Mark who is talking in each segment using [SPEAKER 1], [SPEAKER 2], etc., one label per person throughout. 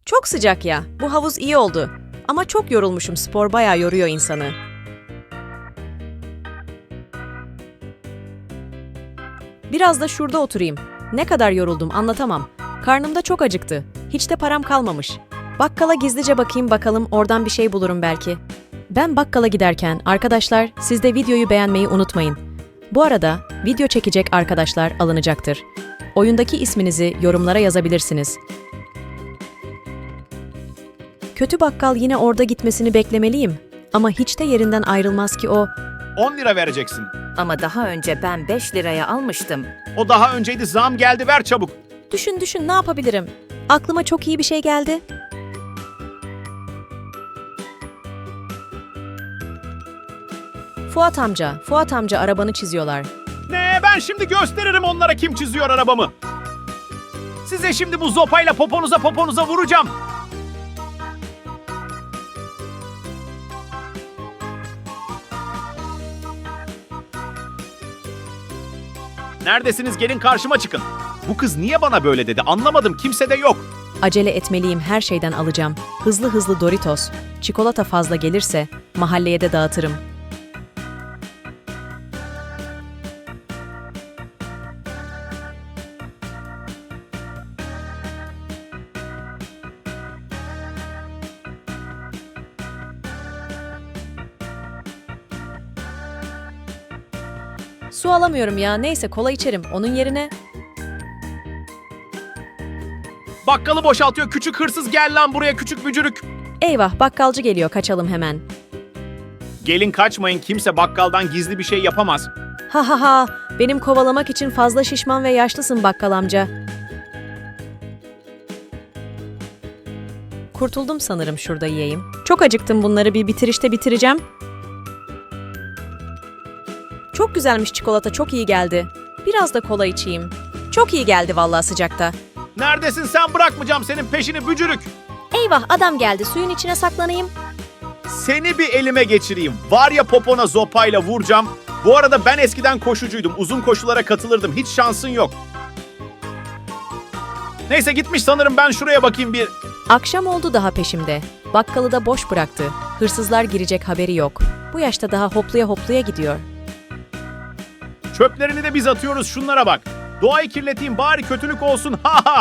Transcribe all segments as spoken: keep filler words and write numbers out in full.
[SPEAKER 1] Çok sıcak ya. Bu havuz iyi oldu. Ama çok yorulmuşum. Spor bayağı yoruyor insanı. Biraz da şurada oturayım. Ne kadar yoruldum anlatamam. Karnım da çok acıktı. Hiç de param kalmamış. Bakkala gizlice bakayım bakalım oradan bir şey bulurum belki. Ben bakkala giderken arkadaşlar siz de videoyu beğenmeyi unutmayın. Bu arada video çekecek arkadaşlar alınacaktır. Oyundaki isminizi yorumlara yazabilirsiniz. Kötü bakkal yine orada gitmesini beklemeliyim. Ama hiç de yerinden ayrılmaz ki o.
[SPEAKER 2] on lira vereceksin.
[SPEAKER 3] Ama daha önce ben beş liraya almıştım.
[SPEAKER 2] O daha önceydi, zam geldi, ver çabuk.
[SPEAKER 1] Düşün düşün ne yapabilirim? Aklıma çok iyi bir şey geldi. Fuat amca, Fuat amca arabanı çiziyorlar.
[SPEAKER 2] Ne, ben şimdi gösteririm onlara kim çiziyor arabamı. Size şimdi bu zopayla poponuza poponuza vuracağım. Neredesiniz? Gelin karşıma çıkın. Bu kız niye bana böyle dedi? Anlamadım. Kimse de yok.
[SPEAKER 1] Acele etmeliyim, her şeyden alacağım. Hızlı hızlı Doritos. Çikolata fazla gelirse mahalleye de dağıtırım. Su alamıyorum ya. Neyse kola içerim. Onun yerine...
[SPEAKER 2] Bakkalı boşaltıyor. Küçük hırsız, gel lan buraya küçük bücürük.
[SPEAKER 1] Eyvah, bakkalcı geliyor. Kaçalım hemen.
[SPEAKER 2] Gelin kaçmayın. Kimse bakkaldan gizli bir şey yapamaz.
[SPEAKER 1] Ha ha ha. Benim kovalamak için fazla şişman ve yaşlısın bakkal amca. Kurtuldum sanırım, şurada yiyeyim. Çok acıktım, bunları bir bitirişte bitireceğim. Çok güzelmiş çikolata, çok iyi geldi. Biraz da kola içeyim. Çok iyi geldi vallahi sıcakta.
[SPEAKER 2] Neredesin sen? Bırakmayacağım senin peşini bücürük.
[SPEAKER 1] Eyvah, adam geldi, suyun içine saklanayım.
[SPEAKER 2] Seni bir elime geçireyim. Var ya popona zopayla vuracağım. Bu arada ben eskiden koşucuydum. Uzun koşulara katılırdım. Hiç şansın yok. Neyse gitmiş sanırım, ben şuraya bakayım bir.
[SPEAKER 1] Akşam oldu, daha peşimde. Bakkalı da boş bıraktı. Hırsızlar girecek haberi yok. Bu yaşta daha hopluya hopluya gidiyor.
[SPEAKER 2] Çöplerini de biz atıyoruz, şunlara bak. Doğayı kirleteyim bari kötülük olsun, ha ha.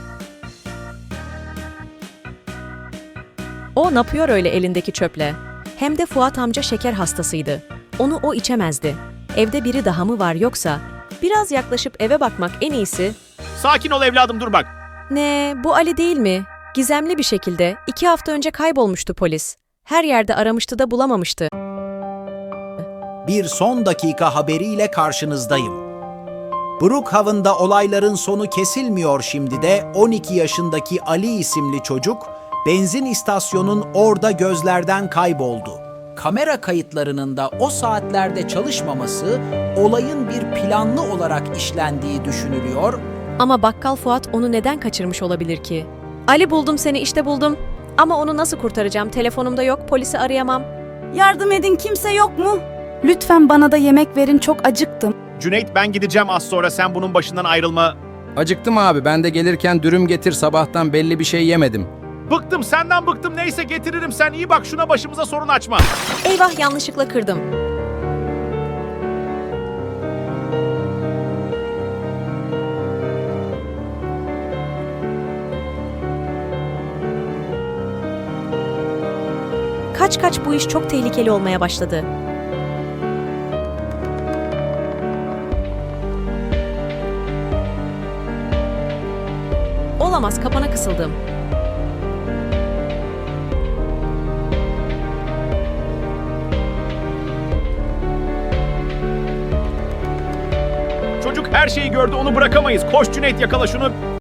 [SPEAKER 1] O ne yapıyor öyle elindeki çöple? Hem de Fuat amca şeker hastasıydı. Onu o içemezdi. Evde biri daha mı var yoksa? Biraz yaklaşıp eve bakmak en iyisi.
[SPEAKER 2] Sakin ol evladım, dur bak.
[SPEAKER 1] Ne, bu Ali değil mi? Gizemli bir şekilde iki hafta önce kaybolmuştu polis. Her yerde aramıştı da bulamamıştı.
[SPEAKER 4] Bir son dakika haberiyle karşınızdayım. Brookhaven'da olayların sonu kesilmiyor şimdi de on iki yaşındaki Ali isimli çocuk benzin istasyonun orada gözlerden kayboldu. Kamera kayıtlarının da o saatlerde çalışmaması olayın bir planlı olarak işlendiği düşünülüyor.
[SPEAKER 1] Ama bakkal Fuat onu neden kaçırmış olabilir ki? Ali, buldum seni, işte buldum. Ama onu nasıl kurtaracağım? Telefonumda yok, polisi arayamam.
[SPEAKER 5] Yardım edin, kimse yok mu? Lütfen bana da yemek verin, çok acıktım.
[SPEAKER 2] Cüneyt, ben gideceğim az sonra, sen bunun başından ayrılma.
[SPEAKER 6] Acıktım abi, ben de gelirken dürüm getir, sabahtan belli bir şey yemedim.
[SPEAKER 2] Bıktım senden, bıktım, neyse getiririm, sen iyi bak şuna, başımıza sorun açma.
[SPEAKER 1] Eyvah, yanlışlıkla kırdım. Kaç kaç, bu iş çok tehlikeli olmaya başladı. Olamaz, kapana kısıldım.
[SPEAKER 2] Çocuk her şeyi gördü, onu bırakamayız. Koş Cüneyt, yakala şunu.